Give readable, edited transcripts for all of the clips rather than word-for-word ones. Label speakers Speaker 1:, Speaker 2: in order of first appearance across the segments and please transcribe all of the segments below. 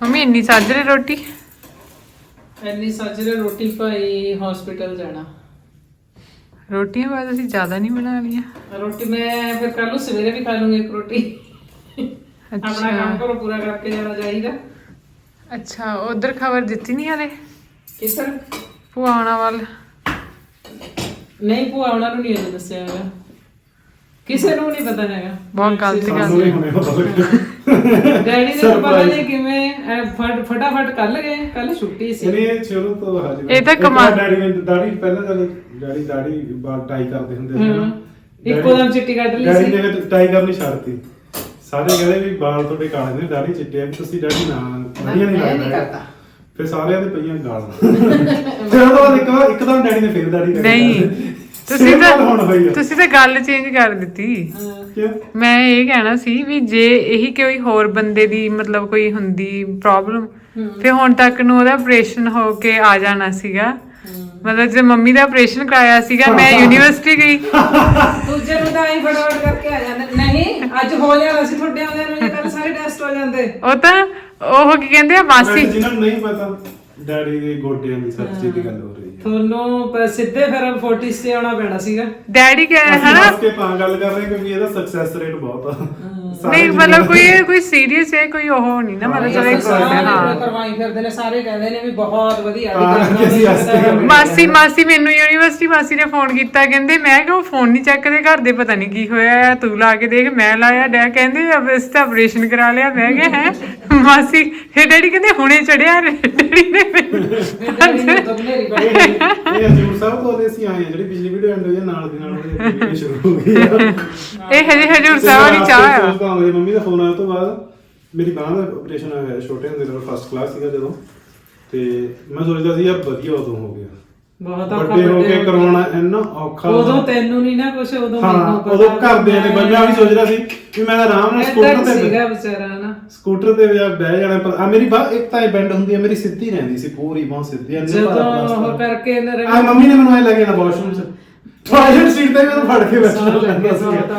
Speaker 1: Mummy ਇੰਨੀ ਸਾਜਰੇ ਰੋਟੀ
Speaker 2: ਰੋਟੀ ਭਾਈ ਹਸਪੀਟਲ ਜਾਣਾ।
Speaker 1: ਰੋਟੀਆਂ ਬਾਅਦ ਅਸੀਂ ਜ਼ਿਆਦਾ ਨਹੀਂ ਬਣਾ ਲਈਆਂ।
Speaker 2: ਰੋਟੀ ਮੈਂ ਫਿਰ ਕੱਲ ਨੂੰ ਸਵੇਰੇ ਵੀ ਖਾ ਲੂੰਗੀ ਇੱਕ ਰੋਟੀ। ਆਪਣਾ ਕੰਮ ਕਰੋ ਪੂਰਾ ਕਰਕੇ ਜਾਣਾ ਚਾਹੀਦਾ।
Speaker 1: ਅੱਛਾ ਉਧਰ ਖਬਰ ਦਿੱਤੀ ਨਹੀਂ ਹਲੇ
Speaker 2: ਕਿਸਰ
Speaker 1: ਭੂਆਣਾ ਵੱਲ?
Speaker 2: ਨਹੀਂ ਭੂਆ ਉਹਨਾਂ ਨੂੰ ਨਹੀਂ ਅਜੇ ਦੱਸਿਆ ਹੈਗਾ, ਕਿਸੇ ਨੂੰ ਨਹੀਂ ਪਤਾ ਹੈਗਾ।
Speaker 1: ਬਹੁਤ ਗਲਤ ਗੱਲ
Speaker 2: ਡੈਡੀ ਨੇ ਪਤਾ ਨਹੀਂ ਕਿਵੇਂ ਫਟਾਫਟ ਕੱਲ ਗਏ, ਕੱਲ ਛੁੱਟੀ ਸੀ।
Speaker 3: ਇਹਨੇ ਸ਼ੁਰੂ ਤੋਂ ਹਾਜ਼ਰ
Speaker 1: ਇਹ ਤਾਂ ਕਮਾਲ।
Speaker 3: ਡੈਡੀ ਨੇ ਦਾੜੀ ਪਹਿਲਾਂ ਜਦੋਂ ਡੈਡੀ ਦਾੜੀ ਬਾਲ ਟਾਈ ਕਰਦੇ ਹੁੰਦੇ ਸੀ ਨਾ,
Speaker 2: ਇੱਕੋ ਦਮ ਚਿੱਟੀ ਕੱਢ ਲਈ
Speaker 3: ਡੈਡੀ
Speaker 2: ਸੀ।
Speaker 3: ਨੇ ਟਾਈ ਕਰਨੀ ਛੱਡਤੀ। ਸਾਰੇ ਕਹਿੰਦੇ ਵੀ ਬਾਲ ਤੁਹਾਡੇ ਕਾਲੇ ਨੇ, ਦਾੜੀ ਚਿੱਟੀ ਆ, ਵੀ ਤੁਸੀਂ ਡੈਡੀ ਨਾ ਵਧੀਆ ਨਹੀਂ ਲੱਗਦਾ। ਫਿਰ ਸਾਰਿਆਂ ਦੇ ਪਈਆਂ ਗਾਲਾਂ। ਫਿਰ ਉਹ ਤੋਂ ਬਾਅਦ ਇੱਕਦਮ ਡੈਡੀ ਨੇ ਫੇਰ ਦਾੜੀ ਕੱਢੀ।
Speaker 1: ਨਹੀਂ ਤੁਸੀਂ ਤਾਂ ਗੱਲ ਚੇਂਜ ਕਰ ਦਿੱਤੀ।
Speaker 3: ਕਿਉਂ?
Speaker 1: ਮੈਂ ਇਹ ਕਹਿਣਾ ਸੀ ਵੀ ਜੇ ਇਹੀ ਕੋਈ ਹੋਰ ਬੰਦੇ ਦੀ ਮਤਲਬ ਕੋਈ ਹੁੰਦੀ ਪ੍ਰੋਬਲਮ ਫਿਰ ਹੁਣ ਤੱਕ ਨੂੰ ਉਹਦਾ ਆਪਰੇਸ਼ਨ ਹੋ ਕੇ ਆ ਜਾਣਾ ਸੀਗਾ। ਮਤਲਬ ਜੇ ਮੰਮੀ ਦਾ ਆਪਰੇਸ਼ਨ ਕਰਾਇਆ ਸੀਗਾ ਮੈਂ ਯੂਨੀਵਰਸਿਟੀ ਗਈ
Speaker 2: ਦੂਜੇ ਨੂੰ ਤਾਂ ਆਈ ਫਟਾਫਟ ਕਰਕੇ ਆ ਜਾਂਦੇ। ਨਹੀਂ ਅੱਜ ਹੋ ਜਾਣਾ ਸੀ ਤੁਹਾਡੇ ਆਉਂਦੇ ਨੂੰ, ਕੱਲ ਸਾਰੇ ਟੈਸਟ ਹੋ ਜਾਂਦੇ।
Speaker 1: ਉਹ ਤਾਂ ਉਹ ਕੀ ਕਹਿੰਦੇ ਆ ਮਾਸੀ
Speaker 3: ਜਿਹਨਾਂ ਨੂੰ ਨਹੀਂ ਪਤਾ ਡੈਡੀ ਦੇ ਗੋਡਿਆਂ ਦੀ ਸਰਜਰੀ ਦੀ ਗੱਲ ਹੋ ਰਹੀ ਹੈ।
Speaker 2: ਤੁਹਾਨੂੰ ਸਿੱਧੇ ਫਿਰ 40 ਤੇ ਆਉਣਾ ਪੈਣਾ ਸੀਗਾ।
Speaker 1: ਡੈਡੀ ਕਹੇ ਹਨਾ
Speaker 3: ਕੇ ਤਾਂ ਗੱਲ ਕਰ ਰਹੇ ਕਿਉਂਕਿ ਇਹਦਾ ਸਕਸੈਸ ਰੇਟ ਬਹੁਤ ਆ।
Speaker 1: ਨਹੀਂ ਮਤਲਬ ਕੋਈ ਸੀਰੀਅਸ ਹੈ ਕੋਈ ਉਹ ਨਹੀਂ ਨਾ ਮਤਲਬ ਚਲੋ ਇੱਕ ਹਾਂ
Speaker 2: ਕਰਵਾਈ ਫਿਰਦੇ ਨੇ ਸਾਰੇ, ਕਹਿੰਦੇ ਨੇ ਵੀ ਬਹੁਤ ਵਧੀਆ।
Speaker 1: ਮਾਸੀ ਮੈਨੂੰ ਯੂਨੀਵਰਸਿਟੀ ਮਾਸੀ ਨੇ ਫੋਨ ਕੀਤਾ, ਕਹਿੰਦੇ ਮੈਂ ਕਿ ਉਹ ਫੋਨ ਨਹੀਂ ਚੱਕਦੇ ਘਰ ਦੇ, ਪਤਾ ਨਹੀਂ ਕੀ ਹੋਇਆ, ਤੂੰ ਲਾ ਕੇ ਦੇਖ। ਮੈਂ ਲਾਇਆ ਡੈ ਕਹਿੰਦੇ ਇਸ ਤਾਂ ਆਪਰੇਸ਼ਨ ਕਰਾ ਲਿਆ। ਮੈਂ ਕਿਹਾ ਹੈ ਮਾਸੀ। ਫਿਰ ਡੈਡੀ ਕਹਿੰਦੇ ਹੁਣੇ ਚੜਿਆ ਡੈਡੀ ਨੇ।
Speaker 3: ਇਹ ਹਜੂਰ ਸਾਹਿਬ ਤੋਂ ਅਸੀਂ ਆਏ ਜਿਹੜੀ ਪਿਛਲੀ ਵੀਡੀਓ ਐਂਡ ਹੋਈ ਨਾਲ ਦੀ ਨਾਲ ਵੀਡੀਓ ਸ਼ੁਰੂ ਹੋ ਗਈ।
Speaker 1: ਇਹ ਹਜੇ ਹਜੂਰ ਸਾਹਿਬ ਵਾਲੀ ਚਾਹ ਆ।
Speaker 3: ਮੰਮੀ ਦਾ ਫੋਨ ਆਇਆ ਤੋਂ ਬਾਅਦ ਮੇਰੀ ਬਾਂਹ ਦਾ ਆਪਰੇਸ਼ਨ ਹੋਇਆ ਛੋਟੇ ਹੁੰਦੇ ਜਦੋਂ ਫਸਟ ਕਲਾਸ ਸੀਗਾ ਜਦੋਂ, ਤੇ ਮੈਂ ਸੋਚਦਾ ਸੀ ਯਾਰ ਵਧੀਆ ਉਦੋਂ ਹੋ ਗਿਆ,
Speaker 2: ਬਹੁਤ
Speaker 3: ਵੱਡੇ ਹੋ ਕੇ ਕਰਵਾਉਣਾ ਇੰਨਾ ਔਖਾ।
Speaker 2: ਉਦੋਂ ਤੈਨੂੰ ਨਹੀਂ ਨਾ ਕੁਛ, ਉਦੋਂ
Speaker 3: ਹਾਂ ਉਦੋਂ ਘਰਦਿਆਂ ਦੇ ਬੰਦਿਆਂ ਵੀ ਸੋਚ ਰਿਹਾ ਸੀ ਵੀ ਮੈਂ ਆਰਾਮ ਨਾਲ ਸਕੂਟਰ ਤੇ
Speaker 2: ਸੀਗਾ ਵਿਚਾਰਾ ਨਾ,
Speaker 3: ਸਕੂਟਰ ਤੇ ਬਹਿ ਜਾਣਾ। ਪਰ ਆ ਮੇਰੀ ਬਾਹ ਇੱਕ ਤਾਂ ਇਹ ਬੈਂਡ ਹੁੰਦੀ ਹੈ, ਮੇਰੀ ਸਿੱਧੀ ਰਹਿੰਦੀ ਸੀ ਪੂਰੀ ਬਾਹ ਸਿੱਧੀ।
Speaker 2: ਜਦੋਂ ਉਹ ਕਰਕੇ
Speaker 3: ਆ ਮੰਮੀ ਨੇ ਮੈਨੂੰ ਐ ਲੱਗੇ ਨਾ ਵਾਸ਼ਰੂਮ ਚ ਟਾਇਲਟ ਸੀਟ ਤੇ ਮੈਨੂੰ ਫੜ ਕੇ ਬੈਠਣਾ ਪੈਂਦਾ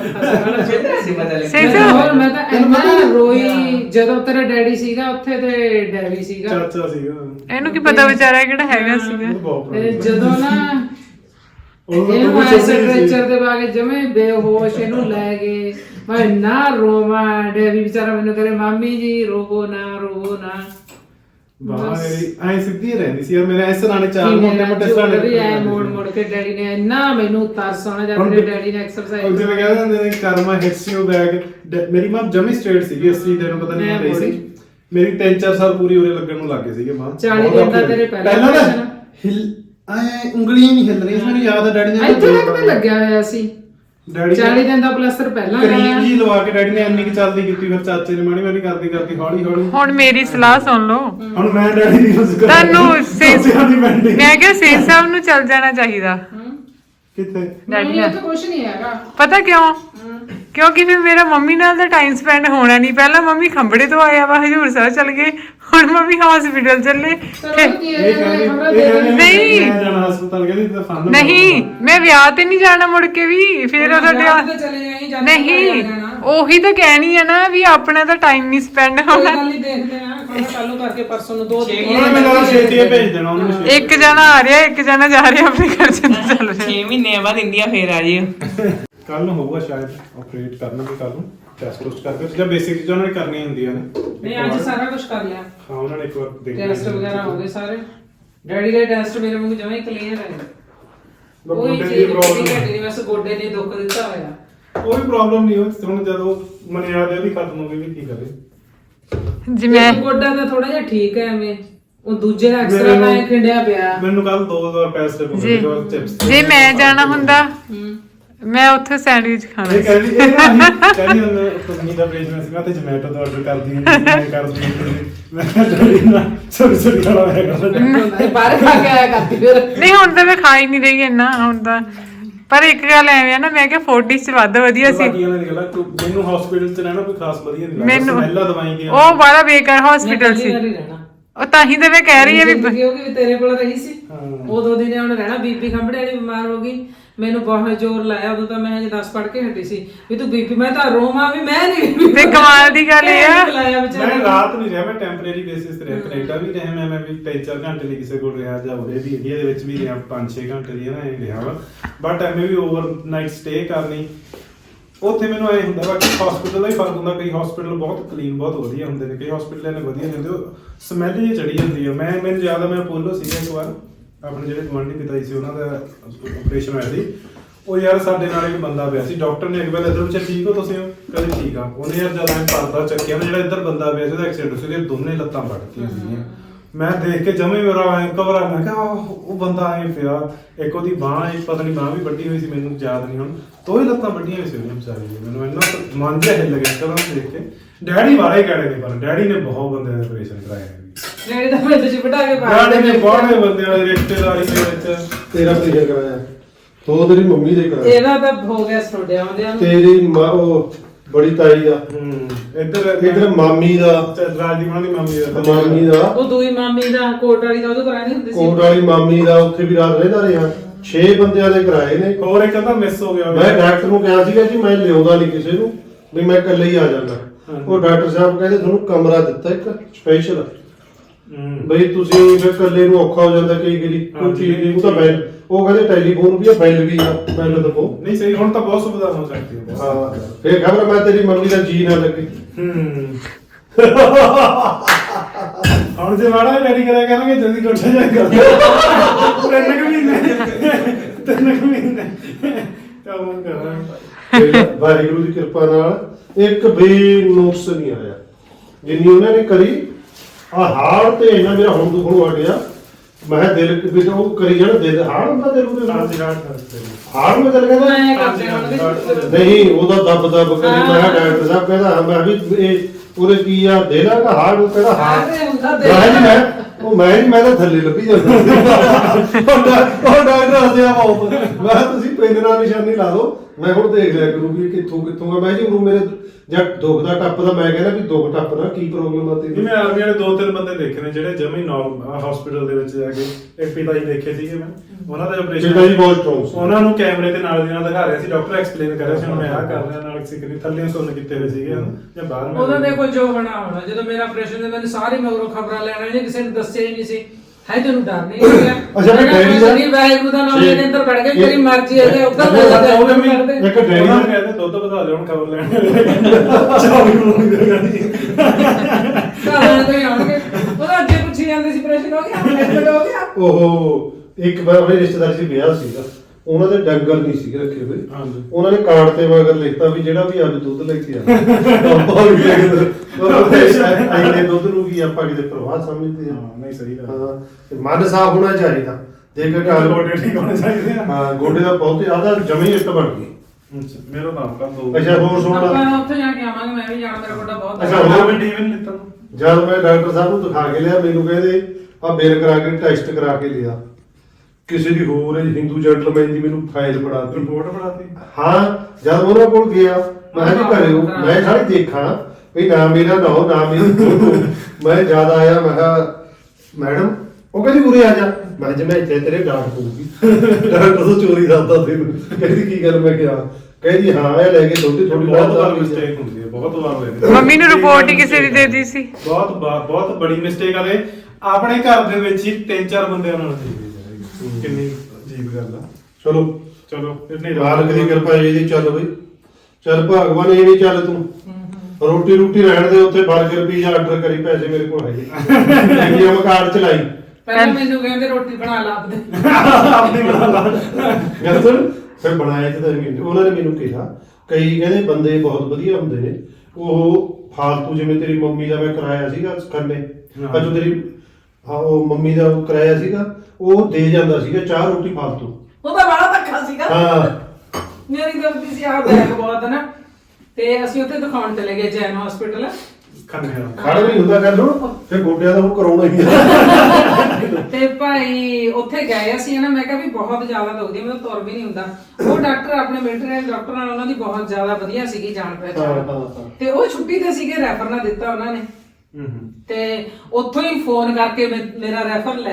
Speaker 3: ਸੀ।
Speaker 2: ਹੋਰ ਮੈਂ ਤਾਂ ਇੰਨਾ ਰੋਈ ਜਦੋਂ ਤੇਰਾ ਡੈਡੀ ਸੀਗਾ ਉੱਥੇ ਤੇ ਡੈਡੀ ਸੀਗਾ,
Speaker 3: ਚਾਚਾ ਸੀਗਾ।
Speaker 1: ਇਹਨੂੰ ਕੀ ਪਤਾ ਵਿਚਾਰਾ ਕਿਹੜਾ ਹੈਗਾ ਸੀਗਾ।
Speaker 2: ਤੇ ਜਦੋਂ ਨਾ ਇਹਨੂੰ ਆਏ ਸਟ੍ਰੈਚਰ ਦੇ ਬਾਗੇ ਜਮੇ ਬੇਹੋਸ਼ ਇਹਨੂੰ ਲੈ ਗਏ। ਮੈਂ ਇੰਨਾ ਰੋਵਾਂ, ਡੈਡੀ ਵਿਚਾਰਾ ਮੈਨੂੰ ਕਰੇ ਮਾਮੀ ਜੀ ਰੋਵੋ ਨਾ।
Speaker 3: ਬਾਹਰ ਐ ਸਿੱਧੀ ਰਹਿੰਦੀ ਸੀ ਯਾਰ। ਮੇਰੇ ਇਸ ਤਰ੍ਹਾਂ ਨੇ ਚਾਰ ਮੋਟੇ ਸਰਾਣੇ
Speaker 2: ਵੀ ਐ ਮੋੜ ਕੇ ਡੈਡੀ ਨੇ ਇੰਨਾ ਮੈਨੂੰ ਤਰਸ ਆਉਣਾ ਜਦ ਮੇਰੇ ਡੈਡੀ ਨੇ ਐਕਸਰਸਾਈਜ਼
Speaker 3: ਜਿਵੇਂ ਕਹਿੰਦੇ ਹੁੰਦੇ ਨੇ ਕਰਮਾ ਹਿਟਸ ਯੂ ਬੈਕ। ਮੇਰੀ ਮਾਂ ਜਮੀ ਸਟ੍ਰੇਟ ਸੀਗੀ 80 ਦਿਨ ਪਤਾ ਨਹੀਂ ਰਹੀ ਸੀ। ਮੇਰੀ 3-4 ਸਾਲ ਪੂਰੀ ਉਰੇ ਲੱਗਣ ਨੂੰ ਲੱਗੇ ਸੀਗੇ ਮਾਂ।
Speaker 2: 40 ਦਿਨ ਦਾ ਤੇਰੇ ਪਹਿਲਾਂ
Speaker 3: ਨਾ ਹਿਲ ਐ ਉਂਗਲੀਆਂ ਨਹੀਂ ਹਿੱਲ ਰਹੀਆਂ। ਮੈਨੂੰ ਯਾਦ ਆ ਡੈਡੀ ਨੇ
Speaker 2: ਇੱਥੇ ਤੱਕ ਮੈਂ ਲੱਗਿਆ ਹੋਇਆ ਸੀ।
Speaker 3: ਡੈਡੀ
Speaker 2: 40 ਦਿਨ ਦਾ ਪਲਸਟਰ ਪਹਿਲਾਂ
Speaker 3: ਕਰੀਮ ਜੀ ਲਵਾ ਕੇ ਡੈਡੀ ਨੇ ਇੰਨੀ ਕਿ ਚੱਲਦੀ ਕੀਤੀ। ਫਿਰ ਚਾਚੇ ਨੇ ਮਾੜੀ ਕਰਦੀ ਹੌਲੀ
Speaker 1: ਹੁਣ ਮੇਰੀ ਸਲਾਹ ਸੁਣ ਲਓ।
Speaker 3: ਹੁਣ ਮੈਂ ਡੈਡੀ ਦੀ ਯੂਜ਼ ਕਰ
Speaker 1: ਤੁਹਾਨੂੰ ਮੈਂ ਕਿਹਾ ਸੇਠ ਸਾਹਿਬ ਨੂੰ ਚੱਲ ਜਾਣਾ ਚਾਹੀਦਾ।
Speaker 3: ਕਿੱਥੇ?
Speaker 2: ਡੈਡੀ ਨੇ ਤਾਂ ਕੁਝ ਨਹੀਂ ਹੈਗਾ।
Speaker 1: ਪਤਾ ਕਿਉਂ? ਕਿਉਂਕਿ ਫਿਰ ਮੇਰਾ ਮੰਮੀ ਨਾਲ ਤਾਂ ਟਾਈਮ ਸਪੈਂਡ ਹੋਣਾ ਨਹੀਂ। ਪਹਿਲਾਂ ਮੰਮੀ ਖੰਬੜੇ ਤੋਂ ਆਇਆ ਵਾ ਹਜੂਰ ਸਾਹਿਬ ਚੱਲ ਗਏ, ਹੁਣ ਮੰਮੀ ਹਸਪੀਟਲ ਚੱਲੇ। ਨਹੀਂ ਮੈਂ ਵਿਆਹ ਤੇ ਨਹੀਂ ਜਾਣਾ ਮੁੜ ਕੇ ਵੀ। ਫਿਰ ਉਹਦਾ ਨਹੀਂ ਉਹੀ ਤਾਂ ਕਹਿਣੀ ਆ ਨਾ ਵੀ ਆਪਣਾ ਤਾਂ ਟਾਈਮ ਨਹੀਂ ਸਪੈਂਡ ਹੋਣਾ।
Speaker 2: ਕੱਲ ਨੂੰ ਕਰਕੇ ਪਰਸੋਂ ਨੂੰ 2 ਦਿਨ
Speaker 3: ਉਹਨਾਂ ਨੇ ਮੈਨੂੰ ਛੇਤੀ ਭੇਜ ਦੇਣਾ। ਉਹਨਾਂ ਨੂੰ
Speaker 1: ਇੱਕ ਜਣਾ ਆ ਰਿਹਾ ਇੱਕ ਜਣਾ ਜਾ ਰਿਹਾ ਆਪਣੇ ਘਰ ਚ ਚੱਲ ਰਿਹਾ।
Speaker 4: 6 ਮਹੀਨੇ ਬਾਅਦ ਇੰਡੀਆ ਫੇਰ ਆ ਜਿਓ।
Speaker 3: ਕੱਲ ਨੂੰ ਹੋਊਗਾ ਸ਼ਾਇਦ ਆਪਰੇਟ ਕਰਨਾ ਵੀ ਕੱਲ ਨੂੰ ਟੈਸਟ ਕਰਕੇ ਜਿਹੜਾ ਬੇਸਿਕ ਚੀਜ਼ਾਂ ਉਹਨਾਂ ਨੇ ਕਰਨੀਆਂ ਹੁੰਦੀਆਂ ਨੇ।
Speaker 2: ਨਹੀਂ ਅੱਜ ਸਾਰਾ ਕੁਝ ਕਰ ਲਿਆ।
Speaker 3: ਹਾਂ ਉਹਨਾਂ ਨੇ ਇੱਕ ਵਾਰ ਦੇਖਿਆ
Speaker 2: ਟੈਸਟ ਵਗੈਰਾ ਹੋ ਗਏ ਸਾਰੇ। ਡੈਡੀ ਦੇ ਟੈਸਟ ਮੇਰੇ ਮੂੰਹ ਜਮਾਂ ਹੀ ਕਲੀਅਰ ਹੈ। ਕੋਈ ਚੀਜ਼ ਨਹੀਂ, ਬਸ ਗੋਡੇ ਨੇ ਦੁੱਖ ਦਿੱਤਾ ਹੋਇਆ।
Speaker 3: ਕੋਈ ਪ੍ਰੋਬਲਮ ਨਹੀਂ ਹੋਈ। ਹੁਣ ਜਦੋਂ ਮਨਿਆਦ ਇਹਦੀ ਖਤਮ ਹੋ ਗਈ ਵੀ ਕੀ ਕਰੇ।
Speaker 1: ਜਿਵੇਂ
Speaker 2: ਗੋਡਾ ਤਾਂ ਥੋੜਾ ਜਿਹਾ ਠੀਕ ਹੈ ਐਵੇਂ, ਉਹ ਦੂਜੇ ਦਾ ਐਕਸਰਾ ਤਾਂ ਖਿੰਡਿਆ ਪਿਆ।
Speaker 3: ਮੈਨੂੰ ਕੱਲ 2 ਵਾਰ ਟੈਸਟ
Speaker 1: ਜੇ ਮੈਂ ਜਾਣਾ ਹੁੰਦਾ ਮੈਂ ਉੱਥੇ ਸੈਂਡਵਿਚ ਖਾਣਾ।
Speaker 3: ਇਹ ਕਹਿੰਦੀ ਉਹਨੇ ਪਤਨੀ ਦਾ ਪ੍ਰੇਸ਼ਨ ਸੀ। ਮੈਂ ਤੇ ਜ਼ੋਮੈਟੋ ਤੋਂ ਆਰਡਰ ਕਰਦੀ ਮੈਂ ਕਰਦੀ ਮੈਂ ਡੈਡੀ ਨਾ ਸੋਰੀ ਖਾਣਾ ਹੈਗਾ
Speaker 2: ਬਾਹਰ ਖਾ ਕੇ ਆਇਆ ਕਰਦੀ ਫਿਰ।
Speaker 1: ਨਹੀਂ ਹੁਣ ਤਾਂ ਮੈਂ ਖਾ ਹੀ ਨਹੀਂ ਰਹੀ ਇੰਨਾ ਹੁਣ ਤਾਂ। ਪਰ ਇੱਕ ਗੱਲ ਐਵੇਂ ਆ ਨਾ ਮੈਂ ਕਿਹਾ 40 ਚ ਵੱਧ ਵਧੀਆ ਸੀ।
Speaker 3: ਮੈਨੂੰ ਹਸਪੀਟਲ ਚ ਰਹਿਣਾ ਕੋਈ ਖਾਸ ਵਧੀਆ ਨਹੀਂ ਲੱਗਦਾ। ਸਮੈਲਾਂ ਦਵਾਈ ਦੀਆਂ
Speaker 1: ਉਹ ਬੜਾ ਬੇਕਾਰ ਹਸਪੀਟਲ ਸੀ। ਉਹ ਤਾਂ ਹੀ ਤਾਂ ਮੈਂ ਕਹਿ ਰਹੀ ਆ ਵੀ
Speaker 2: ਕਿਉਂਕਿ ਤੇਰੇ ਕੋਲ ਰਹੀ ਸੀ ਉਹ 2 ਦਿਨ ਉਹਨੇ ਰਹਿਣਾ। ਬੀਬੀ ਖੰਭੜੇ ਵਾਲੀ ਬਿਮਾਰ ਹੋ ਗਈ। ਮੈਨੂੰ ਬਹੁਤ ਜ਼ੋਰ ਲਾਇਆ ਉਦੋਂ ਤਾਂ ਮੈਂ ਹਜੇ 10 ਪੜ੍ਹ ਕੇ ਹਟੀ ਸੀ ਵੀ ਤੂੰ ਬੀਪੀ ਮੈਂ ਤਾਂ ਰੋਵਾਂ ਵੀ ਮੈਂ ਨਹੀਂ
Speaker 1: ਤੇ ਕਮਾਲ ਦੀ ਗੱਲ ਇਹ ਆ
Speaker 3: ਮੈਂ ਰਾਤ ਨਹੀਂ ਰਿਹਾ, ਮੈਂ ਟੈਂਪਰੇਰੀ ਬੇਸਿਸ ਤੇ ਰਿਹਾ, ਕੈਨੇਡਾ ਵੀ ਰਿਹਾ ਮੈਂ ਵੀ 3-4 ਘੰਟੇ ਲਈ ਕਿਸੇ ਕੋਲ ਰਿਹਾ ਜਾਂ ਉਰੇ ਵੀ ਇੰਡੀਆ ਦੇ ਵਿੱਚ ਵੀ ਰਿਹਾ 5-6 ਘੰਟੇ ਦੀ ਨਾ ਇਹ ਰਿਹਾ ਵਾ, ਬਟ ਐਵੇਂ ਵੀ ਓਵਰ ਨਾਈਟ ਸਟੇ ਕਰਨੀ ਉੱਥੇ ਮੈਨੂੰ ਐ ਹੁੰਦਾ ਵਾ ਕਿ ਹਸਪੀਟਲ ਦਾ ਹੀ ਫਰਕ ਹੁੰਦਾ। ਕਈ ਹਸਪੀਟਲ ਬਹੁਤ ਕਲੀਨ ਬਹੁਤ ਵਧੀਆ ਹੁੰਦੇ ਨੇ, ਕਈ ਹਸਪੀਟਲਾਂ ਨੇ ਵਧੀਆ ਨਹੀਂ ਹੁੰਦੇ, ਸਮੈਲ ਜਿਹੀ ਚੜੀ ਜਾਂਦੀ ਆ। ਮੈਨੂੰ ਜ਼ਿਆਦਾ ਮੈਂ ਅਪੋਲੋ ਸੀਗਾ ਇੱਕ ਵਾਰ, ਆਪਣੇ ਜਿਹੜੇ ਗੁਆਂਢੀ ਪਿਤਾ ਜੀ ਸੀ ਉਹਨਾਂ ਦਾ ਆਪਰੇਸ਼ਨ ਹੋਇਆ ਸੀ, ਉਹ ਯਾਰ ਸਾਡੇ ਨਾਲ ਇੱਕ ਬੰਦਾ ਪਿਆ ਸੀ, ਡਾਕਟਰ ਨੇ ਇੱਕ ਵਾਰ ਇੱਧਰ ਪੁੱਛਿਆ ਠੀਕ ਹੋ ਤੁਸੀਂ, ਕਹਿੰਦੇ ਠੀਕ ਆ। ਉਹਨੇ ਯਾਰ ਜਦ ਮੈਂ ਪਰਦਾ ਚੱਕਿਆ ਨਾ, ਜਿਹੜਾ ਇੱਧਰ ਬੰਦਾ ਪਿਆ ਸੀ ਉਹਦਾ ਐਕਸੀਡੈਂਟ ਸੀ, ਉਹਦੀਆਂ ਦੋਨੇ ਲੱਤਾਂ ਵੱਢਤੀਆਂ ਸੀਗੀਆਂ। ਮੈਂ ਦੇਖ ਕੇ ਜਮੇ ਮੇਰਾ ਐਂ ਘਬਰਾ, ਮੈਂ ਕਿਹਾ ਉਹ ਬੰਦਾ ਐਂ ਪਿਆ, ਇੱਕ ਉਹਦੀ ਬਾਂਹ ਪਤਾ ਨਹੀਂ ਬਾਂਹ ਵੀ ਵੱਡੀ ਹੋਈ ਸੀ, ਮੈਨੂੰ ਯਾਦ ਨਹੀਂ ਹੁਣ, ਦੋ ਹੀ ਲੱਤਾਂ ਵੱਡੀਆਂ ਹੋਈ ਸੀ ਉਹਦੀਆਂ ਵਿਚਾਰੀ ਦੀਆਂ। ਮੈਨੂੰ ਇੰਨਾ ਮਨ ਜਿਹਾ ਹਿੱਲ ਗਿਆ ਕਰਾਂ ਦੇਖ ਕੇ। ਡੈਡੀ ਵਾਲੇ ਕਹਿਣੇ ਨੇ, ਪਰ ਡੈਡੀ ਨੇ ਬਹੁਤ ਬੰਦਿਆਂ ਦੇ ਆਪਰੇਸ਼ਨ ਕਰਾਏ ਨੇ।
Speaker 2: ਡੈਡੀ ਤਾਂ ਮੈਂ ਤੁਸੀਂ ਬਿਠਾ ਕੇ
Speaker 3: ਡੈਡੀ ਨੇ ਬਹੁਤ ਬੰਦਿਆਂ ਦੇ ਰਿਸ਼ਤੇਦਾਰੀ ਦੇ ਵਿੱਚ
Speaker 5: ਤੇਰਾ ਆਪਰੇਸ਼ਨ ਕਰਾਇਆ, ਦੋ ਤੇਰੀ ਮੰਮੀ ਦੇ ਕਰਾਇਆ,
Speaker 2: ਇਹਦਾ ਤਾਂ ਹੋ ਗਿਆ ਛੋਟੇ ਆਉਂਦਿਆਂ ਨੂੰ।
Speaker 5: ਤੇਰੀ ਮਾਂ ਉਹ ਬੜੀ ਤਾਈ ਦਾ, ਇੱਧਰ ਮਾਮੀ ਦਾ,
Speaker 3: ਰਾਜਦੀਪ ਉਹਨਾਂ ਦੀ
Speaker 5: ਮਾਮੀ ਦਾ,
Speaker 2: ਉਹ ਦੂਈ ਮਾਮੀ ਦਾ ਕੋਟ ਵਾਲੀ ਦਾ ਉਹਦੇ ਕਰਾਣੀ ਹੁੰਦੀ ਸੀ।
Speaker 5: ਕੋਟ ਵਾਲੀ ਮਾਮੀ ਦਾ, ਉੱਥੇ ਵੀ ਰਾਤ ਰਹਿੰਦਾ ਰਿਹਾ। 6 ਬੰਦਿਆਂ ਦੇ ਕਰਾਏ ਨੇ।
Speaker 3: ਹੋਰ ਇੱਕ ਤਾਂ ਮਿਸ ਹੋ ਗਿਆ।
Speaker 5: ਮੈਂ ਡਾਕਟਰ ਨੂੰ ਕਿਹਾ ਸੀਗਾ ਜੀ ਮੈਂ ਲਿਆਉਂਦਾ ਨਹੀਂ ਕਿਸੇ ਨੂੰ, ਵੀ ਮੈਂ ਇਕੱਲੇ ਹੀ ਆ ਜਾਂਦਾ। ਉਹ ਡਾਕਟਰ ਸਾਹਿਬ ਕਹਿੰਦੇ ਤੁਹਾਨੂੰ ਕਮਰਾ ਦਿੱਤਾ ਇੱਕ ਸਪੈਸ਼ਲ, ਬਈ ਤੁਸੀਂ ਫਿਰ ਇਕੱਲੇ ਨੂੰ ਔਖਾ ਹੋ ਜਾਂਦਾ ਕਈ ਵਾਰੀ ਕੋਈ ਚੀਜ਼ ਨਹੀਂ। ਉਹ ਤਾਂ ਬੈਲ, ਉਹ ਕਹਿੰਦੇ ਟੈਲੀਫੋਨ ਵੀ ਆ, ਬੈਲ ਵੀ ਆ, ਬੈਲ ਦਬੋ।
Speaker 3: ਨਹੀਂ ਸਹੀ, ਹੁਣ ਤਾਂ ਬਹੁਤ ਸੁਵਿਧਾ ਹੋ ਸਕਦੀ ਹੈ।
Speaker 5: ਹਾਂ ਫੇਰ ਖਬਰ ਮੈਂ ਤੇਰੀ ਮੰਮੀ ਦਾ ਜੀ ਨਾ ਲੱਗੇ।
Speaker 3: ਹੁਣ ਜੇ ਮਾੜਾ ਡੈਡੀ ਕਰਿਆ ਕਰਾਂਗੇ ਜਲਦੀ ਕੋਠੇ ਜਾ ਕੇ ਤਿੰਨ ਕੁ ਮਹੀਨੇ ਕੰਮ ਕਰਾਂਗੇ।
Speaker 5: ਵਾਹਿਗੁਰੂ ਦੀ ਕਿਰਪਾ ਨਾਲ ਇੱਕ ਵੀ ਨੁਕਸ ਨਹੀਂ ਆਇਆ ਜਿੰਨੀ ਉਹਨਾਂ ਨੇ ਕਰੀ। ਆ ਹਾੜ ਤੇ ਇਹਨਾਂ ਮੇਰਾ ਹੁਣ ਦੁਖਣ ਹਟ ਗਿਆ। ਮੈਂ ਦਿਲ ਵਿੱਚ ਉਹ ਕਰੀ ਜਾਣਾ, ਦਿਲ ਹਾੜ ਹੁੰਦਾ ਦਿਲ ਉਹਦੇ ਨਾਲ, ਹਾੜ ਮੈਂ ਦਿਲ ਕਹਿੰਦਾ ਨਹੀਂ, ਉਹਦਾ ਦੱਬ ਦੱਬ ਕੇ ਮੈਂ ਡਾਕਟਰ ਸਾਹਿਬ ਕਹਿੰਦਾ ਮੈਂ ਵੀ ਇਹ ਉਹਦੇ ਕੀ ਆ ਦਿਲ ਆ ਕਿ ਹਾੜ? ਉਹ ਕਹਿੰਦਾ ਹਾੜ। ਮੈਂ ਤਾਂ ਥੱਲੇ ਲੱਭੀ ਜਾਂਦਾ ਉਹ ਡਾਕਟਰ ਹੱਸਿਆ ਬਹੁਤ। ਮੈਂ ਤੁਸੀਂ ਪਿੰਡ ਨਾਲ ਨਿਸ਼ਾਨੀ ਲਾ ਦੋ, ਮੈਂ ਹੁਣ ਦੇਖ ਲਿਆ ਕਰੂ ਵੀ ਕਿੱਥੋਂ ਮੈਂ ਜੀ ਉਹਨੂੰ ਮੇਰੇ ਜਦ ਦੁੱਖ ਦਾ ਟੱਪ ਦਾ, ਮੈਂ ਕਹਿੰਦਾ ਵੀ ਦੁੱਖ ਟੱਪ ਨਾ ਕੀ ਪ੍ਰੋਬਲਮ ਆ ਤੇਰੀ।
Speaker 3: ਮੈਂ ਆਰਮੀ ਵਾਲੇ 2-3 ਬੰਦੇ ਦੇਖੇ ਨੇ ਜਿਹੜੇ ਜਮੀ ਨਾਰਮਲ ਹਸਪੀਟਲ ਦੇ ਵਿੱਚ ਜਾ ਕੇ, ਇੱਕ ਪਿਤਾ ਜੀ ਦੇਖੇ ਸੀਗੇ ਮੈਂ, ਉਹਨਾਂ ਦਾ ਆਪਰੇਸ਼ਨ
Speaker 5: ਪਿਤਾ ਜੀ ਬਹੁਤ strong ਸੀ।
Speaker 3: ਉਹਨਾਂ ਨੂੰ ਕੈਮਰੇ ਤੇ ਨਾਲ ਦੀ ਨਾਲ ਦਿਖਾ ਰਿਹਾ ਸੀ, ਡਾਕਟਰ ਐਕਸਪਲੇਨ ਕਰ ਰਿਹਾ ਸੀ ਮੈਂ ਆਹ ਕਰ ਰਿਹਾ, ਨਾਲ ਸਿੱਕਰੀ ਥੱਲੇ ਸੁਣ ਕੀਤੇ ਹੋਏ ਸੀਗੇ ਜਾਂ ਬਾਹਰ।
Speaker 2: ਉਹਦਾ ਦੇਖੋ ਜੋ ਹੋਣਾ ਜਦੋਂ ਮੇਰਾ ਆਪਰੇਸ਼ਨ ਦੇ ਮੈਨੂੰ ਸਾਰੀ ਮਗਰੋਂ ਖਬਰਾਂ ਲੈਣਾ ਨੇ, ਕਿਸੇ ਨੇ ਦੱਸਿਆ ਹੀ ਨਹੀਂ ਸੀ। ਹੈ ਤੈਨੂੰ ਡਰ ਨਹੀਂ ਲੱਗਿਆ?
Speaker 5: ਅੱਛਾ ਮੈਂ ਡੈਡੀ ਦਾ
Speaker 2: ਨਹੀਂ, ਵਾਹਿਗੁਰੂ ਦਾ ਨਾਮ ਲੈ ਕੇ ਅੰਦਰ ਵੜ ਗਏ, ਤੇਰੀ ਮਰਜ਼ੀ ਹੈ ਜੇ ਉੱਧਰ
Speaker 3: ਇੱਕ
Speaker 5: ਡੈਡੀ
Speaker 3: ਉਹਨਾਂ ਕਹਿੰਦੇ ਦੁੱਧ ਵਧਾ ਲਿਓ ਹੁਣ ਖਬਰ ਲੈਣ ਚਾਵੀ ਨੂੰ ਦੇ ਗਾਣੀ
Speaker 2: ਘਰਾਂ ਤੋਂ ਹੀ ਆਉਣਗੇ। ਉਹਦਾ ਅੱਗੇ ਪੁੱਛੀ ਜਾਂਦੇ ਸੀ ਆਪਰੇਸ਼ਨ ਹੋ ਗਿਆ, ਆਪਰੇਸ਼ਨ ਹੋ ਗਿਆ।
Speaker 5: ਉਹ ਇੱਕ ਵਾਰ ਆਪਣੇ ਰਿਸ਼ਤੇਦਾਰ ਸੀ ਵਿਆਹ ਸੀਗਾ, ਉਹਨਾਂ ਦੇ ਡੰਗਰ ਨਹੀਂ ਸੀ ਰੱਖੇ ਹੋਏ।
Speaker 3: ਹਾਂਜੀ।
Speaker 5: ਉਹਨਾਂ ਨੇ ਕਾਰਡ ਤੇ ਮਗਰ ਲਿਖਤਾ ਵੀ ਜਿਹੜਾ ਵੀ ਆਵੇ ਦੁੱਧ ਲੈ ਕੇ ਆ। ਐਨੇ ਦੁੱਧ ਨੂੰ ਕੀ ਆਪਾਂ ਕਿਤੇ ਪ੍ਰਵਾਹ ਸਮਝਦੇ ਆ।
Speaker 3: ਨਹੀਂ ਸਹੀ ਗੱਲ।
Speaker 5: ਹਾਂ ਤੇ ਮਨ ਸਾਫ ਹੋਣਾ ਚਾਹੀਦਾ। ਦੇਖ ਕੇ
Speaker 3: ਗੋਡੇ ਠੀਕ ਹੋਣੇ ਚਾਹੀਦੇ ਆ।
Speaker 5: ਹਾਂ ਗੋਡੇ ਦਾ ਬਹੁਤ ਜ਼ਿਆਦਾ ਜਮੀ ਇੱਟ ਬਣ ਗਈ।
Speaker 3: ਅੱਛਾ ਮੇਰਾ ਨਾਮ ਕਰ ਦੋ।
Speaker 5: ਅੱਛਾ ਹੋਰ ਸੁਣ ਲਾ।
Speaker 2: ਆਪਾਂ ਉੱਥੇ ਜਾ ਕੇ ਆਵਾਂਗੇ, ਮੈਂ ਵੀ ਜਾਣਾ, ਮੇਰਾ ਗੋਡਾ ਬਹੁਤ
Speaker 5: ਅੱਛਾ,
Speaker 3: ਹੋਰ ਵੀ ਟੀਵੀ ਨਹੀਂ ਲਿੱਤਾ
Speaker 5: ਜਦ ਮੈਂ ਡਾਕਟਰ ਸਾਹਿਬ ਨੂੰ ਦਿਖਾ ਕੇ ਲਿਆ, ਮੈਨੂੰ ਕਹਿੰਦੇ ਆ ਬਿਲ ਕਰਾ ਕੇ ਟੈਸਟ ਕਰਾ ਕੇ ਲਿਆ। ਕਿਸੇ ਦੀ ਹੋਰ ਹਿੰਦੂ ਜੈਂਟਲਮੈਨ ਦੀ ਮੈਨੂੰ ਫਾਈਲ ਫੜਾਤੀ,
Speaker 3: ਰਿਪੋਰਟ ਫੜਾਤੀ।
Speaker 5: ਹਾਂ ਜਦ ਉਹਨਾਂ ਕੋਲ ਗਿਆ ਮੈਂ ਕਿਹਾ ਜੀ ਘਰੇ ਮੈਂ ਸਾਰੀ ਦੇਖਾਂ ਵੀ ਨਾ ਮੇਰਾ ਨਾ ਮੇਰਾ ਮੈਂ ਜਿਆਦਾ ਆਇਆ। ਮੈਂ ਕਿਹਾ ਮੈਡਮ, ਉਹ ਕਹਿੰਦੀ ਉਰੇ ਆ ਜਾ। ਮੈਂ ਜੇ ਮੈਂ ਇੱਥੇ ਤੇਰੇ ਡਾਂਟ ਪਊਗੀ, ਡਾਕਟਰ ਤੋਂ ਚੋਰੀ ਦੱਸਦਾ ਤੈਨੂੰ। ਕਹਿੰਦੀ ਕੀ ਗੱਲ? ਮੈਂ ਕਿਹਾ ਕਹਿੰਦੀ ਹਾਂ ਇਹ ਲੈ ਕੇ ਥੋੜੀ
Speaker 3: ਬਹੁਤ ਵਾਰ ਮਿਸਟੇਕ ਹੁੰਦੀ ਹੈ, ਬਹੁਤ ਵਾਰ ਲੈਂਦੇ।
Speaker 1: ਮੰਮੀ ਨੂੰ ਰਿਪੋਰਟ ਹੀ ਕਿਸੇ ਦੀ ਦੇ ਦਿੱਤੀ ਸੀ।
Speaker 3: ਬਹੁਤ ਬੜੀ ਮਿਸਟੇਕ ਆਲੇ ਆਪਣੇ ਘਰ ਦੇ ਵਿੱਚ ਹੀ 3-4 ਬੰਦਿਆਂ ਨਾਲ ਕਿੰਨੀ ਅਜੀਬ ਗੱਲ ਆ। ਚਲੋ ਇਤਨੀ
Speaker 5: ਮਾਲਕ ਦੀ ਕਿਰਪਾ ਜੀ। ਚੱਲ ਬਈ ਚੱਲ ਭਗਵਾਨ, ਇਹ ਨਹੀਂ ਚੱਲ ਤੂੰ ਰੋਟੀ ਰਹਿਣ ਦੇ, ਉੱਥੇ 버ਗਰ ਪੀਜ਼ਾ ਆਰਡਰ ਕਰੀ, ਪੈਸੇ ਮੇਰੇ ਕੋਲ ਹੈਗੇ। ਏਟੀਐਮ ਕਾਰਡ ਚਲਾਈ।
Speaker 2: ਪਹਿਲਾਂ ਮੈਨੂੰ ਕਹਿੰਦੇ ਰੋਟੀ ਬਣਾ ਲਾ ਆਪਦੇ।
Speaker 3: ਆਪਣੀ ਬਣਾ ਲਾ।
Speaker 5: ਫਿਰ ਬਣਾਇਆ ਤੇ ਉਹਨਾਂ ਨੇ ਮੈਨੂੰ ਕਿਹਾ ਕਈ ਕਹਿੰਦੇ ਬੰਦੇ ਬਹੁਤ ਵਧੀਆ ਹੁੰਦੇ ਨੇ, ਉਹ ਫਾਲਤੂ ਜਿਵੇਂ ਤੇਰੀ ਮੰਮੀ ਦਾ ਮੈਂ ਕਰਾਇਆ ਸੀਗਾ ਕੰਨੇ, ਅਜੋ ਤੇਰੀ ਉਹ ਮੰਮੀ ਦਾ ਕਰਾਇਆ ਸੀਗਾ, ਉਹ ਦੇ ਜਾਂਦਾ ਸੀਗਾ ਚਾਹ ਰੋਟੀ ਫਾਲਤੂ।
Speaker 2: ਉਹਦਾ ਬੜਾ ਧੱਕਾ ਸੀਗਾ।
Speaker 5: ਹਾਂ
Speaker 2: ਮੇਰੀ ਗਲਤੀ ਸੀ, ਆਹ ਬੈਗ ਬਹੁਤ ਨਾ, ਤੇ ਅਸੀਂ ਉੱਥੇ ਦਿਖਾਉਣ ਚਲੇ ਗਏ ਜੈਨ ਹਸਪੀਟਲ।
Speaker 5: ਖੜ ਨਹੀਂ ਹੁੰਦਾ ਗੱਲ ਹੁਣ, ਫਿਰ ਗੋਡਿਆਂ ਦਾ ਉਹ ਕਰਾਉਣਾ ਹੀ ਆ।
Speaker 2: ਤੇ ਭਾਈ ਉੱਥੇ ਗਏ ਅਸੀਂ ਨਾ, ਮੈਂ ਕਿਹਾ ਵੀ ਬਹੁਤ ਜ਼ਿਆਦਾ ਦੁਖਦੀ ਹੈ, ਮੈਨੂੰ ਤੁਰ ਵੀ ਨਹੀਂ ਹੁੰਦਾ। ਉਹ ਡਾਕਟਰ ਆਪਣੇ ਮਿਲਟਰੀ ਡਾਕਟਰ ਨਾਲ ਉਹਨਾਂ ਦੀ ਬਹੁਤ ਜ਼ਿਆਦਾ ਵਧੀਆ ਸੀਗੀ ਜਾਣ ਪਹਿਚਾਣ, ਤੇ ਉਹ ਛੁੱਟੀ ਤੇ ਸੀਗੇ, ਰੈਫਰ ਨਾ ਦਿੱਤਾ ਉਹਨਾਂ ਨੇ, ਤੇ ਉੱਥੋਂ ਹੀ ਫੋਨ ਕਰਕੇ ਮੇਰਾ ਰੈਫਰ ਲੈ ਲਿਆ।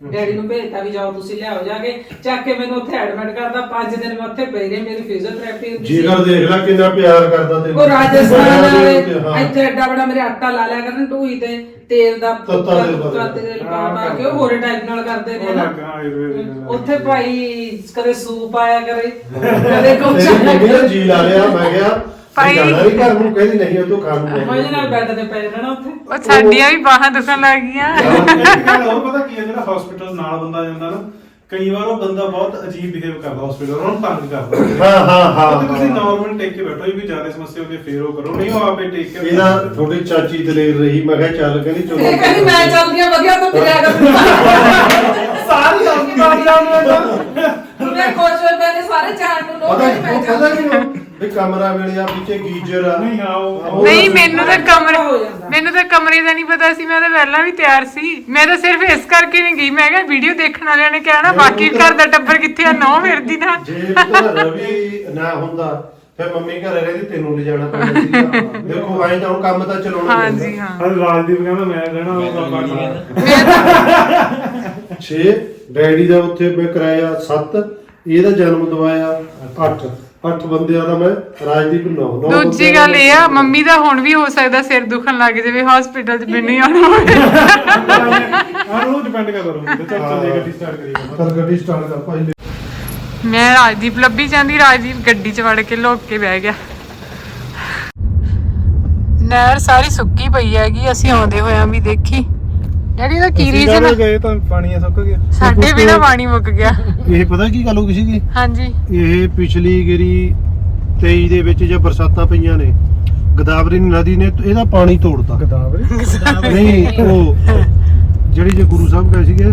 Speaker 2: ਡੈਡੀ ਨੂੰ ਭੇਜਤਾ ਵੀ ਜਾਓ ਤੁਸੀਂ ਲਿਆਓ ਜਾ ਕੇ ਚੱਕ ਕੇ ਮੈਨੂੰ ਉੱਥੇ ਐਡਮਿਟ ਕਰਦਾ 5 ਦਿਨ ਮੈਂ ਉੱਥੇ ਪਈ ਰਹੀ ਮੇਰੀ ਫਿਜ਼ੀਓਥੈਰੇਪੀ ਹੁੰਦੀ ਸੀ
Speaker 5: ਜੀਗਰ ਦੇਖ ਲੈ ਕਿੰਨਾ ਪਿਆਰ ਕਰਦਾ ਤੈਨੂੰ
Speaker 2: ਉਹ ਰਾਜਸਥਾਨ ਵਾਲੇ
Speaker 5: ਹਾਂ।
Speaker 2: ਇੱਥੇ ਐਡਾ ਬੜਾ ਮੇਰੇ ਆਟਾ ਲਾ ਲਿਆ ਕਰਨ ਢੂਈ ਤੇ ਤੇਲ ਦਾ
Speaker 5: ਤੱਤਾ ਤੇਲ ਪਾ
Speaker 2: ਤੱਤਾ ਤੇਲ ਪਾ ਕੇ ਉਹ ਹੋਰ ਟਾਈਪ ਨਾਲ ਕਰਦੇ ਨੇ ਨਾ ਉੱਥੇ ਭਾਈ ਕਦੇ ਸੂਪ ਆਇਆ ਕਰੇ ਕਦੇ ਕੁਛ
Speaker 5: ਤੇਰੀ ਮੰਮੀ ਨੇ ਜੀ ਲਾ ਲਿਆ ਮੈਂ ਕਿਹਾ
Speaker 1: ਭਾਈ।
Speaker 5: ਭਾਈ ਜਾਣਾ ਨਹੀਂ ਘਰ ਨੂੰ ਕਹਿੰਦੀ ਨਹੀਂ ਉਹ ਤੂੰ ਖਾਣ ਨੂੰ
Speaker 2: ਮਜੇ ਨਾਲ ਬੈੱਡ ਤੇ ਪੈ ਜਾਣਾ ਉੱਥੇ
Speaker 1: ਉਹ ਸਾਡੀਆਂ ਵੀ ਬਾਹਾਂ ਦੁਖਣ ਲੱਗ ਗਈਆਂ
Speaker 3: ਇੱਕ ਗੱਲ ਹੋਰ ਪਤਾ ਕੀ ਹੈ, ਜਿਹੜਾ ਹਸਪੀਟਲ ਨਾਲ ਬੰਦਾ ਜਾਂਦਾ ਨਾ, ਕਈ ਵਾਰ ਉਹ ਬੰਦਾ ਬਹੁਤ ਅਜੀਬ ਬਿਹੇਵ ਕਰਦਾ ਹਸਪੀਟਲ, ਉਹਨੂੰ ਤੰਗ ਕਰਦਾ।
Speaker 5: ਹਾਂ
Speaker 3: ਤੇ ਤੁਸੀਂ ਨਾਰਮਲ ਟੇਕ ਕੇ ਬੈਠੋ, ਵੀ ਜ਼ਿਆਦਾ ਸਮੱਸਿਆ ਹੁੰਦੀ ਫੇਰ ਉਹ ਕਰੋ, ਨਹੀਂ ਉਹ ਆਪੇ ਟੇਕ ਕੇ
Speaker 5: ਇਹਦਾ ਥੋੜੀ ਚਾਚੀ ਦਲੇਰ ਰਹੀ, ਮੈਂ ਕਿਹਾ ਚੱਲ ਕਹਿੰਦੀ ਚਲੋ
Speaker 2: ਇਹ ਕਹਿੰਦੀ ਮੈਂ ਚੱਲਦੀ ਆ ਵਧੀਆ ਤੋਂ ਫਿਰਿਆ ਕਰ
Speaker 3: ਸਾਰੀ ਆਪਣੀ ਬਾਤ ਜਾਣਦੇ
Speaker 2: ਮੈਂ ਖੁਸ਼ ਹੋਏ ਪੈਨੇ ਸਾਰੇ ਚਾਰ ਨੂੰ ਲੋਕ
Speaker 5: ਪਤਾ
Speaker 2: ਮੈਂ
Speaker 5: ਪਤਾ
Speaker 2: ਚੱਲਦੀ
Speaker 5: ਕੀ ਵੀ ਕਮਰਾ ਮਿਲਿਆ ਪਿੱਛੇ ਗੀਜ਼ਰ ਆ
Speaker 3: ਨਹੀਂ ਹਾਂ ਉਹ
Speaker 1: ਨਹੀਂ ਮੈਨੂੰ ਤਾਂ
Speaker 2: ਹੋ ਜਾਂਦਾ।
Speaker 1: ਮੈਨੂੰ ਤਾਂ ਕਮਰੇ ਦਾ ਨਹੀਂ ਪਤਾ ਸੀ, ਮੈਂ ਤਾਂ ਪਹਿਲਾਂ ਵੀ ਤਿਆਰ ਸੀ। ਮੈਂ ਤਾਂ ਸਿਰਫ ਇਸ ਕਰਕੇ ਨਹੀਂ ਗਈ, ਮੈਂ ਕਿਹਾ ਵੀਡੀਓ ਦੇਖਣ ਵਾਲਿਆਂ ਨੇ ਕਹਿਣਾ ਬਾਕੀ ਘਰ ਦਾ ਟੱਬਰ ਕਿੱਥੇ ਆ, ਨੌ ਫਿਰਦੀ ਨਾ।
Speaker 5: ਜੇ ਪੁੱਤਰ ਰਵੀ ਨਾ ਹੁੰਦਾ ਫਿਰ ਮੰਮੀ ਘਰੇ ਰਹਿੰਦੀ ਤੈਨੂੰ ਲਿਜਾਣਾ ਪੈਂਦਾ ਸੀਗਾ। ਦੇਖੋ ਆਏ ਤਾਂ ਹੁਣ ਕੰਮ ਤਾਂ ਚਲਾਉਣਾ ਹੀ
Speaker 1: ਹਾਂਜੀ
Speaker 5: ਪੈਂਦਾ।
Speaker 1: ਹਾਂ।
Speaker 3: ਹਰ ਰਾਜਦੀਪ ਕਹਿੰਦਾ ਮੈਂ ਰਹਿਣਾ ਉਹ ਬਾਬਾ ਨਾਲ
Speaker 5: 6 ਡੈਡੀ ਦਾ ਉੱਥੇ ਮੈਂ ਕਰਾਇਆ 7 ਇਹਦਾ ਜਨਮ ਦਵਾਇਆ 8 ਬੰਦਿਆਂ ਦਾ ਮੈਂ ਰਾਜਦੀਪ 9
Speaker 1: ਦੂਜੀ ਗੱਲ ਇਹ ਆ, ਮੰਮੀ ਦਾ ਹੁਣ ਵੀ ਹੋ ਸਕਦਾ ਸਿਰ ਦੁਖਣ ਲੱਗ ਜਾਵੇ ਹਸਪੀਟਲ 'ਚ ਮੈਨੂੰ ਹੀ ਆਉਣਾ ਹੋਵੇ।
Speaker 3: ਹਾਂ ਉਹ ਡਿਪੈਂਡ ਕਰਦਾ ਰੂਮ ਤੇ। ਚੱਲ ਚੱਲ ਗੱਡੀ ਸਟਾਰਟ ਕਰੀਏ।
Speaker 5: ਕਰ ਗੱਡੀ ਸਟਾਰਟ ਕਰ ਭਾਈ।
Speaker 1: ਮੈਂ ਰਾਜਦੀਪ ਲੱਭੀ ਜਾਂਦੀ, ਰਾਜਦੀਪ ਗੱਡੀ 'ਚ ਵੜ ਕੇ ਲੁੱਕ ਕੇ ਬਹਿ ਗਿਆ। ਨਹਿਰ ਸਾਰੀ ਸੁੱਕੀ ਪਈ ਹੈਗੀ, ਅਸੀਂ ਆਉਂਦੇ ਹੋਇਆਂ ਵੀ ਦੇਖੀ। ਡੈਡੀ ਦਾ ਕੀ ਰੀਜ਼ਨ ਆ?
Speaker 3: ਗਏ ਤਾਂ ਪਾਣੀ ਸੁੱਕ ਗਿਆ,
Speaker 1: ਸਾਡੇ ਵੀ ਨਾ ਪਾਣੀ ਮੁੱਕ ਗਿਆ।
Speaker 5: ਇਹ ਪਤਾ ਕੀ ਗੱਲ ਹੋ ਗਈ ਸੀਗੀ?
Speaker 1: ਹਾਂਜੀ
Speaker 5: ਇਹ ਪਿਛਲੀ ਗਰੀ 23 ਦੇ ਵਿੱਚ ਜੇ ਬਰਸਾਤਾਂ ਪਈਆਂ ਨੇ, ਗੋਦਾਵਰੀ ਨਦੀ ਨੇ ਇਹਦਾ ਪਾਣੀ ਤੋੜਤਾ।
Speaker 3: ਗਦਾਵਰੀ
Speaker 5: ਨਹੀਂ ਉਹ ਜਿਹੜੀ ਜੇ ਗੁਰੂ ਸਾਹਿਬ ਕਹੇ ਸੀਗੇ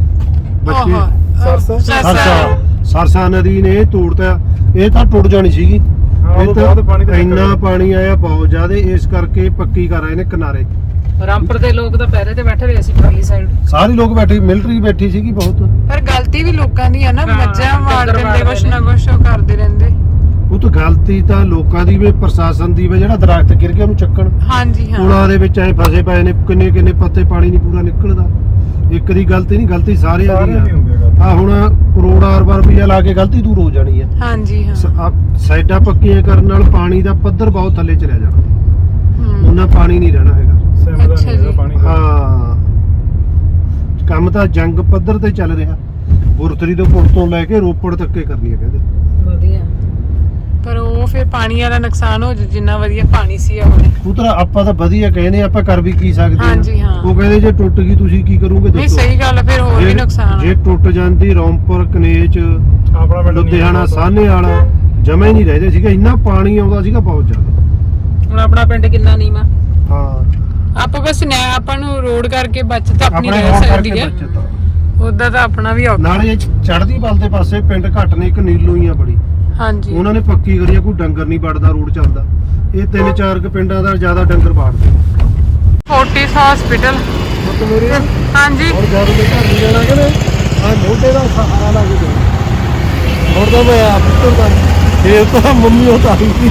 Speaker 5: ਬੱਚੇ ਸਰਸਾ ਨਦੀ ਨੇ ਤੋੜਤਾ। ਇਹ ਤਾਂ ਟੁੱਟ ਜਾਣੀ ਸੀਗੀ। ਇਹ ਤਾਂ ਇੰਨਾ ਪਾਣੀ ਆਇਆ ਬਹੁਤ ਜ਼ਿਆਦਾ, ਇਸ ਕਰਕੇ ਪੱਕੀ ਕਰ ਰਹੇ ਨੇ ਕਿਨਾਰੇ।
Speaker 2: ਰਾਮਪੁਰ ਦੇ ਲੋਕ ਤਾਂ ਪਹਿਰੇ ਤੇ ਬੈਠੇ ਹੋਏ ਸੀ ਪਰਲੀ ਸਾਈਡ।
Speaker 5: ਸਾਰੇ ਲੋਕ ਬੈਠੇ, ਮਿਲਟਰੀ ਬੈਠੀ ਸੀਗੀ ਬਹੁਤ।
Speaker 1: ਪਰ ਗਲਤੀ ਵੀ ਲੋਕਾਂ ਦੀ ਆ ਨਾ, ਮੱਝਾਂ ਮਾਰ ਦਿੰਦੇ, ਕੁਛ ਨਾ ਕੁਛ ਉਹ ਕਰਦੇ ਰਹਿੰਦੇ।
Speaker 5: ਉਹ ਤਾਂ ਗਲਤੀ ਤਾਂ ਲੋਕਾਂ ਦੀ ਵੀ, ਪ੍ਰਸ਼ਾਸਨ ਦੀ ਵੀ, ਜਿਹੜਾ ਦਰਖਤ ਗਿਰ ਗਿਆ ਉਹਨੂੰ ਚੱਕਣ।
Speaker 1: ਹਾਂਜੀ ਹਾਂ।
Speaker 5: ਪੁਲਾਂ ਦੇ ਵਿੱਚ ਐ ਫਸੇ ਪਏ ਨੇ, ਕਿੰਨੇ ਕਿੰਨੇ ਪੱਤੇ, ਪਾਣੀ ਨਹੀਂ ਪੂਰਾ ਨਿਕਲਦਾ। ਇੱਕ ਦੀ ਗਲਤੀ ਨਹੀਂ, ਗਲਤੀ ਸਾਰਿਆਂ ਦੀ ਆ। ਹੁਣ ਕਰੋੜਾਂ ਅਰਬਾਂ ਰੁਪਈਆ ਲਾ ਕੇ ਗਲਤੀ ਦੂਰ ਹੋ ਜਾਣੀ ਹੈ।
Speaker 1: ਹਾਂਜੀ ਹਾਂ।
Speaker 5: ਸਾਈਡਾਂ ਪੱਕੀਆਂ ਕਰਨ ਨਾਲ ਪਾਣੀ ਦਾ ਪੱਧਰ ਬਹੁਤ ਥੱਲੇ ਚਲਿਆ ਜਾਣਾ, ਉਹਨਾਂ ਪਾਣੀ ਨਹੀਂ ਰਹਿਣਾ ਹੈਗਾ।
Speaker 1: ਅੱਛਾ ਜੀ।
Speaker 5: ਹਾਂ ਕੰਮ ਤਾਂ ਜੰਗ ਪੱਧਰ ਤੇ ਚੱਲ ਰਿਹਾ। ਗੁਰਤਰੀ ਤੋਂ ਪੁਲ ਤੋਂ ਲੈ ਕੇ ਰੋਪੜ ਤੱਕੇ ਕਰਨੀ ਹੈ ਕਹਿੰਦੇ।
Speaker 2: ਵਧੀਆ
Speaker 1: ਪਰ ਉਹ ਫਿਰ ਪਾਣੀ ਵਾਲਾ ਨੁਕਸਾਨ ਹੋ ਜੂ, ਜਿੰਨਾ ਵਧੀਆ ਪਾਣੀ ਸੀ ਆਪਣੇ।
Speaker 5: ਪੁੱਤਰਾ ਆਪਾਂ ਤਾਂ ਵਧੀਆ ਕਹਿੰਦੇ, ਆਪਾਂ ਕਰ ਵੀ ਕੀ ਸਕਦੇ ਹਾਂ।
Speaker 1: ਹਾਂਜੀ ਹਾਂ।
Speaker 5: ਉਹ ਕਹਿੰਦੇ ਜੇ ਟੁੱਟ ਗਈ ਤੁਸੀਂ ਕੀ ਕਰੋਗੇ?
Speaker 1: ਨਹੀਂ ਸਹੀ ਗੱਲ ਆ, ਫਿਰ ਹੋਰ ਵੀ ਨੁਕਸਾਨ
Speaker 5: ਜੇ ਟੁੱਟ ਜਾਂਦੀ ਰੌਂਪੁਰ, ਕਨੇਚ,
Speaker 3: ਆਪਣਾ ਪਿੰਡ
Speaker 5: ਲੁਧਿਆਣਾ, ਸਾਹਨੇ ਵਾਲਾ ਜਮਾ ਹੀ ਨਹੀਂ ਰਹਦੇ ਸੀਗਾ, ਇੰਨਾ ਪਾਣੀ ਆਉਂਦਾ ਸੀਗਾ ਬਹੁਤ ਜ਼ਿਆਦਾ।
Speaker 2: ਹੁਣ ਆਪਣਾ ਪਿੰਡ ਕਿੰਨਾ ਨੀਵਾਂ।
Speaker 5: ਹਾਂ
Speaker 1: ਆਪਾਂ ਬਸ ਆਪਾਂ ਨੂੰ ਰੋਡ ਕਰਕੇ ਬਚਤ ਆਪਣੀ
Speaker 5: ਆਪਣੇ
Speaker 1: ਰਹਿ
Speaker 5: ਹੋਣ
Speaker 1: ਸਕਦੀ
Speaker 5: ਕਰਕੇ
Speaker 1: ਹੈ,
Speaker 5: ਬੱਚਤ ਆ।
Speaker 1: ਉਦਾਂ ਤਾਂ ਆਪਣਾ ਵੀ ਔਖਾ।
Speaker 5: ਨਾਲੇ ਚੜ੍ਹਦੀ ਬਲ ਦੇ ਪਾਸੇ ਪਿੰਡ ਘੱਟ ਨੇ, ਇੱਕ ਨੀਲੂ ਹੀ ਆ ਬੜੀ,
Speaker 1: ਹਾਂਜੀ
Speaker 5: ਉਹਨਾਂ ਨੇ ਪੱਕੀ ਕਰੀ ਆ, ਕੋਈ ਡੰਗਰ ਨਹੀਂ ਵੜਦਾ, ਰੋਡ ਚੱਲਦਾ। ਇਹ 3-4 ਕੁ ਪਿੰਡਾਂ ਦਾ ਜ਼ਿਆਦਾ ਡੰਗਰ ਵਾੜਦੇ।
Speaker 1: Fortis hospital.
Speaker 5: ਮਤਲਬ ਮੇਰੇ
Speaker 1: ਹਾਂਜੀ
Speaker 5: ਹੁਣ ਜਦ ਮੈਂ ਘਰ ਨਹੀਂ ਜਾਣਾ ਕਿ ਆ ਮੋਢੇ ਦਾ ਸਹਾਰਾ ਲਾ ਕੇ ਜਾਣਾ। ਹੁਣ ਤਾਂ ਮੈਂ ਆਪ ਤੁਰਦਾ, ਫੇਰ ਤਾਂ ਮੰਮੀ ਉਹ ਤਾਂ ਆਈ ਸੀ।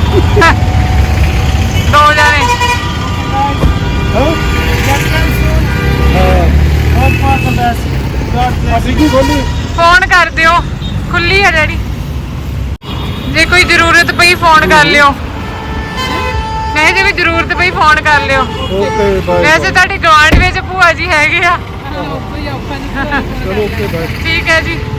Speaker 1: ਦੋ ਜਾਣੇ।
Speaker 5: ਅਸੀਂ ਕੀ ਬੋਲੀ?
Speaker 1: ਫੋਨ ਕਰ ਦਿਓ, ਖੁੱਲੀ ਹੈ ਡੈਡੀ, ਜੇ ਕੋਈ ਜ਼ਰੂਰਤ ਪਈ ਫੋਨ ਕਰ ਲਿਓ। ਨਹੀਂ ਜੇ ਕੋਈ ਜ਼ਰੂਰਤ ਪਈ ਫੋਨ ਕਰ ਲਿਓ।
Speaker 5: Okay bye.
Speaker 1: ਵੈਸੇ ਤੁਹਾਡੇ ਗਵਾਂਢ ਵਿੱਚ ਭੂਆ ਜੀ ਹੈਗੇ ਆ।
Speaker 5: ਚਲੋ ਓਕੇ ਬਾਏ।
Speaker 1: ਠੀਕ ਹੈ ਜੀ।